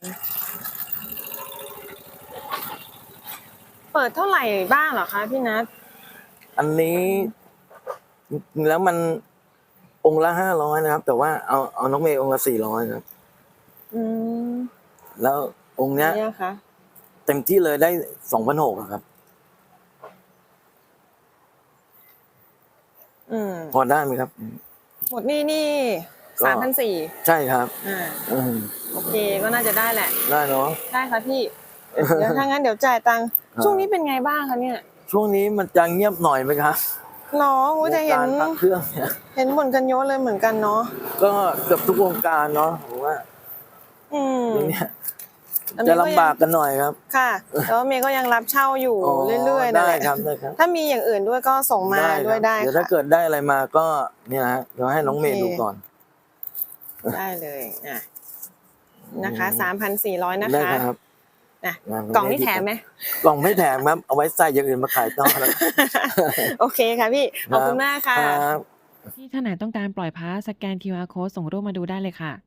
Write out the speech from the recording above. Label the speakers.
Speaker 1: เปิดเท่าไหร่บ้างเหรอคะพี่นัท
Speaker 2: อันนี้แล้วมันองค์ละ500นะครับแต่ว่าเอาน้องเมย์องค์ละ400ครับแล้วองค์เนี้ย
Speaker 1: คะ
Speaker 2: เต็มที่เลยได้2,600ครับพอได้ไหมครับ
Speaker 1: หมดนี่3,400
Speaker 2: ใช่ครับ
Speaker 1: โอเคก็น่าจะได้แหละ
Speaker 2: ได้เนาะ
Speaker 1: ได้ค่ะพี่เดี๋ยวถ้างั้นเดี๋ยวจ่ายตังค์ช่วงนี้เป็นไงบ้างคะเนี่ย
Speaker 2: ช่วงนี้มันจะเงียบหน่อยไหมครับ
Speaker 1: น้องจะเห็น
Speaker 2: เครื่องเนี่ย
Speaker 1: เห็นบ่นกันเยอะเลยเหมือนกันเนาะ
Speaker 2: ก็เกือบทุกวงการเนาะผมว่าเนี่ยจะลำบากกันหน่อยครับ
Speaker 1: ค่ะแต่ว่าเมย์ก็ยังรับเช่าอยู่เรื่อยๆ
Speaker 2: ได้ครับได้ครับ
Speaker 1: ถ้ามีอย่างอื่นด้วยก็ส่งมาด้วยได้
Speaker 2: เดี๋ยวถ้าเกิดได้อะไรมาก็เนี่ยฮะเดี๋ยวให้น้องเมย์ดูก่อน
Speaker 1: ได้เลยนะคะ3,400นะ
Speaker 2: ได้
Speaker 1: คะ
Speaker 2: ครับ
Speaker 1: กล่องนี่แถมไหม
Speaker 2: กล่องไม่แถมครับเอาไว้ใส่อย่างอื่นมาขายต่อแล้ว
Speaker 1: โอเคค่ะพี่ขอบคุณมากค่ะ
Speaker 3: ที่ท่านไหนต้องการปล่อยพาสสแกน QR Code ส่งรูปมาดูได้เลยค่ะ